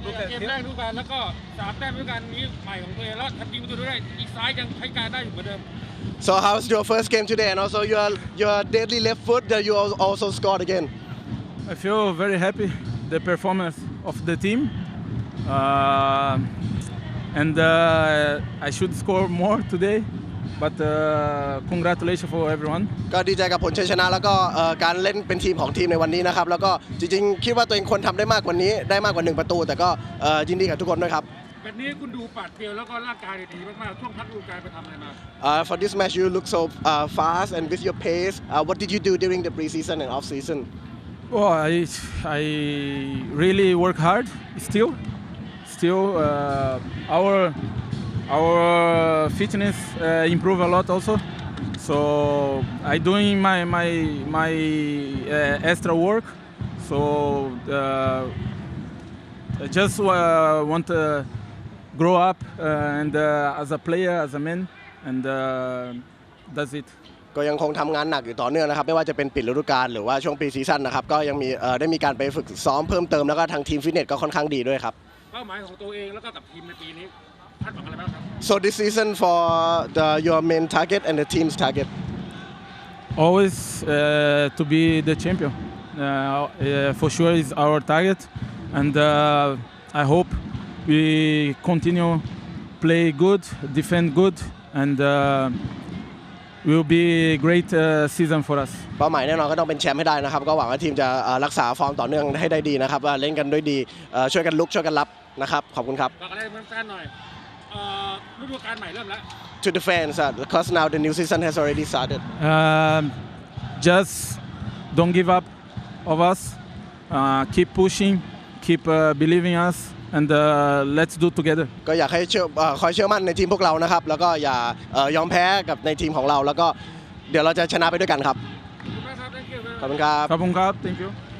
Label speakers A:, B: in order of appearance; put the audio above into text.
A: เกมแรกฤดูกาลแล้วก็3 แต้มฤดูกาลนี้ใหม่ของตัวเองแล้วทำยิงประตูได้อีกซ้ายยังใช้การได้อยู่เหมือนเดิม
B: So how's your first game today and also your deadly left foot that you also scored again?
C: I feel very happy the performance of the team, and I should score more today. But congratulations for everyone.
B: ก็ดีใจกับผลชัยชนะแล้วก็การเล่นเป็นทีมของทีมในวันนี้นะครับแล้วก็จริงๆคิดว่าตัวเองควรทำได้มากกว่านี้ได้มากกว่า1ประตูแต่ก็ยินดีกับทุกคนด้วยครับ
A: แบบนี้คุณดูปัดเปรียวแล้วก็ร่างกายดีมากๆช่วงพักฤดูกาลไปทำอะไรมา
B: For this match you look so fast and with your pace what did you do during the preseason and off season?
C: Oh, I really work hard still. Our fitness improve a lot also. So I doing my extra work. So I just want to grow up and as a player, as a man, and that's it.
B: ก็ยังคงทำงานหนักอยู่ต่อเนื่องนะครับไม่ว่าจะเป็นปิดฤดูกาลหรือว่าช่วงปีซีซั่นนะครับก็ยังมีได้มีการไปฝึกซ้อมเพิ่มเติมแล้วก็ทางทีมฟิตเนสก็ค่อนข้างดีด้วยครับ
A: เป้าหมายของตัวเองแล้วก็กับทีมในปีนี้คาดหวังอะไรบ้างครับ
B: So this season for your main target and the team's target
C: Always to be the champion. For sure is our target, and I hope we continue play good, defend good, and will be a great season for us.
B: เป้าหมายแน่นอนก็ต้องเป็นแชมป์ให้ได้นะครับก็หวังว่าทีมจะรักษาฟอร์มต่อเนื่องให้ได้ดีนะครับว่าเล่นกันด้วยดีช่วยกันลุกช่วยกันรับนะครับขอบคุณครับ
A: ฝากอะไรแฟนๆหน่อยฤดูกาลใหม่เริ่มแล้ว
B: To the fans because now the new season has already started
C: Just don't give up of us. Keep pushing, keep believing us, and let's do together.
B: ก็อยากให้คอยเชื่อมั่นในทีมพวกเรานะครับแล้วก็อย่ายอมแพ้กับในทีมของเราแล้วก็เดี๋ยวเราจะชนะไปด้วยกันครับ
A: ขอบคุณมากครับ Thank you
B: ขอบคุณครับ
C: Kabungkap, thank you.